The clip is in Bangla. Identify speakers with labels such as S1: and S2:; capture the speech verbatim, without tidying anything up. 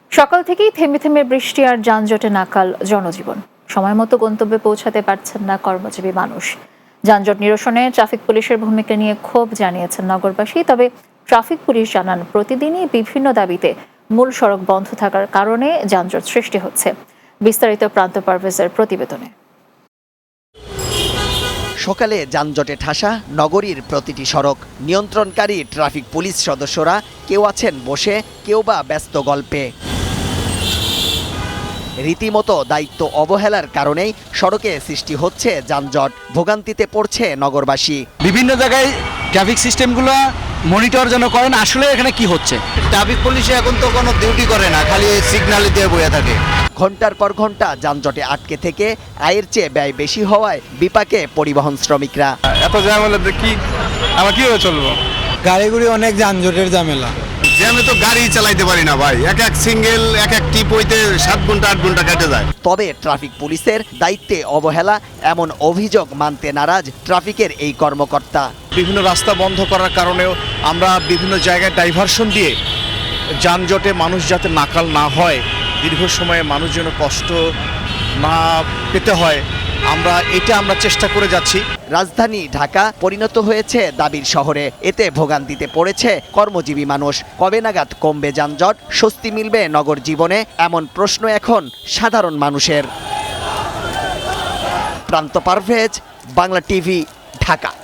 S1: সকাল থেকেই থেমে থেমে বৃষ্টি আর যানজটে নাকাল জনজীবন। সময় মতো গন্তব্যে পৌঁছাতে পারছেন না কর্মজীবী মানুষ। যানজট নিরসনে ট্রাফিক পুলিশের ভূমিকা নিয়ে ক্ষোভ জানিয়েছেন নগরবাসী। তবে ট্রাফিক পুলিশ জানান, প্রতিদিনই বিভিন্ন দাবিতে মূল সড়ক বন্ধ থাকার কারণে যানজট সৃষ্টি হচ্ছে। বিস্তারিত প্রান্ত পারভেজের প্রতিবেদনে।
S2: সকালে যানজটে ঠাসা নগরীর প্রতিটি সড়ক। নিয়ন্ত্রণকারী ট্রাফিক পুলিশ সদস্যরা কেউ আছেন বসে, কেউ বা ব্যস্ত গল্পে। রীতিমতো দায়িত্ব অবহেলার কারণেই সড়কে সৃষ্টি হচ্ছে যানজট। ভোগান্তিতে পড়ছে নগরবাসী।
S3: বিভিন্ন জায়গায় ট্রাফিক সিস্টেমগুলো মনিটর যেন করেন আসলে এখানে কি হচ্ছে।
S4: ট্রাফিক পুলিশে এখন তো কোনো ডিউটি করে না, খালি সিগন্যাল দিয়ে বয়ে থাকে।
S2: ঘন্টার পর ঘন্টা যানজটে আটকে থেকে আয়ের চেয়ে ব্যয় বেশি হওয়ায় বিপাকে পরিবহন শ্রমিকরা।
S5: এত জ্যাম হলে কি আমরা কিভাবে চলবো?
S3: গাড়িগুড়ি অনেক যানজটের ঝামেলা।
S4: জ্যামে তো গাড়ি চালাইতে পারি না ভাই, এক এক সিঙ্গেল এক এক টিপ হইতে সাত ঘন্টা আট ঘন্টা কেটে যায়।
S2: তবে ট্রাফিক পুলিশের দায়িত্বে অবহেলা এমন অভিযোগ মানতে নারাজ ট্রাফিকের এই কর্মকর্তা।
S6: বিভিন্ন রাস্তা বন্ধ করার কারণেও আমরা বিভিন্ন জায়গায় ডাইভারশন দিয়ে যানজটে মানুষ যাতে নাকাল না হয়, দীর্ঘ সময়ে মানুষ যেন কষ্ট না পেতে হয়, আমরা এটা আমরা চেষ্টা করে যাচ্ছি।
S2: রাজধানী ঢাকা পরিণত হয়েছে দাবির শহরে। এতে ভোগান্তিতে পড়েছে কর্মজীবী মানুষ। কবে নাগাদ কমবে যানজট, স্বস্তি মিলবে নগর জীবনে, এমন প্রশ্ন এখন সাধারণ মানুষের। প্রান্ত পারভেজ, বাংলা টিভি, ঢাকা।